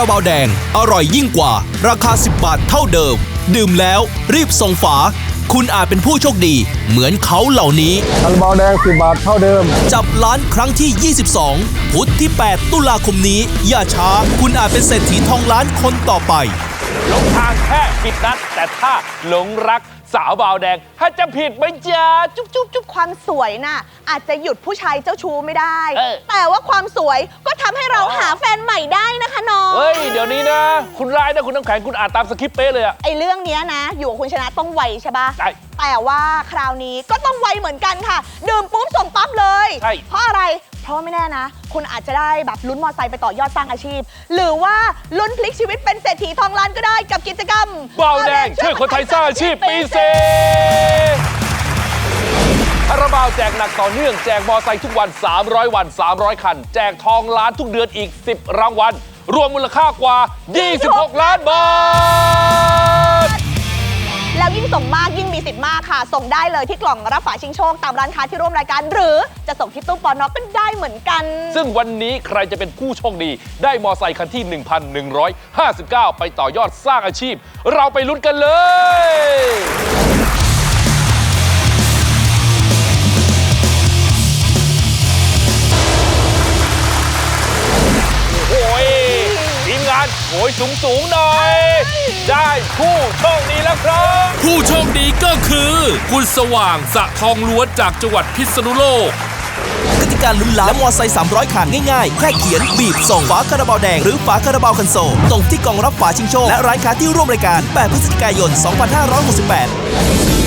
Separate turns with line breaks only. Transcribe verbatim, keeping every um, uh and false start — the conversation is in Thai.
ราบาวแดงอร่อยยิ่งกว่าราคาสิบบาทเท่าเดิมดื่มแล้วรีบส่งฝาคุณอาจเป็นผู้โชคดีเหมือนเขาเหล่านี้
คาราบาวแดงสิบบาทเท่าเดิม
จับล้านครั้งที่ยี่สิบสองพุธที่แปดตุลาคมนี้อย่าช้าคุณอาจเป็นเศรษฐีทองล้านคนต่อไป
หลงทางแค่ผิดนัดแต่ถ้าหลงรักสาวบาวแดงถ้าจะผิดไหมจ๊ะ
จุ๊บจุ๊บจุ๊บความสวยน่ะอาจจะหยุดผู้ชายเจ้าชู้ไม่ได้แต่ว่าความสวยก็ทำให้เราหาแฟนใหม่ได้นะคะน้อง
เฮ้ยเดี๋ยวนี้นะคุณร้ายนะคุณน้ำแข็งคุณอ่านตามสคริปต์เป๊ะเลยอะ
ไอเรื่องนี้นะอยู่กับคุณชนะต้องไวใช่ปะ
ใช่
แต่ว่าคราวนี้ก็ต้องไวเหมือนกันค่ะดื่มปุ๊บส่งปั๊บเลย
ใช่
เพราะอะไรเพราะไม่แน่นะคุณอาจจะได้แบบลุ้นมอไซค์ไปต่อยอดสร้างอาชีพหรือว่าลุ้นพลิกชีวิตเป็นเศรษฐีทองล้านก็ได้กับกิจกรรม
บาวแดงช่วยคนไทยสร้างอาชีพปีเซคาราบาวแจกหนักต่อเนื่องแจกมอไซค์ทุกวันสามร้อยวันสามร้อยคันแจกทองล้านทุกเดือนอีกสิบรางวัลรวมมูลค่ากว่ายี่สิบหกล้านบาท
แล้วยิ่งส่งมากยิ่งมีสิทธิ์มากค่ะส่งได้เลยที่กล่องรับฝาชิงโชคตามร้านค้าที่ร่วมรายการหรือจะส่งที่ตู้ปอนอก็ได้เหมือนกัน
ซึ่งวันนี้ใครจะเป็นผู้โชคดีได้มอไซค์คันที่ หนึ่งพันหนึ่งร้อยห้าสิบเก้า ไปต่อยอดสร้างอาชีพเราไปลุ้นกันเลยโอ้ยทีมงานโอยสูงสูงหน่อยได้ผู้โชคดีแล้วครับ
ผู้โชคดีก็คือคุณสว่างสะทองล้วนจากจังหวัดพิษณุโลก
กติกาลุ้นล้านและมอไซค์สามร้อยคันง่ายๆแค่เขียนบีบส่งฝาคาราบาวแดงหรือฝาคาราบาวคันโซลส่งที่กล่องรับฝาชิงโชคและร้านค้าที่ร่วมรายการแปดพฤศจิกายนสองพันห้าร้อยหกสิบแปด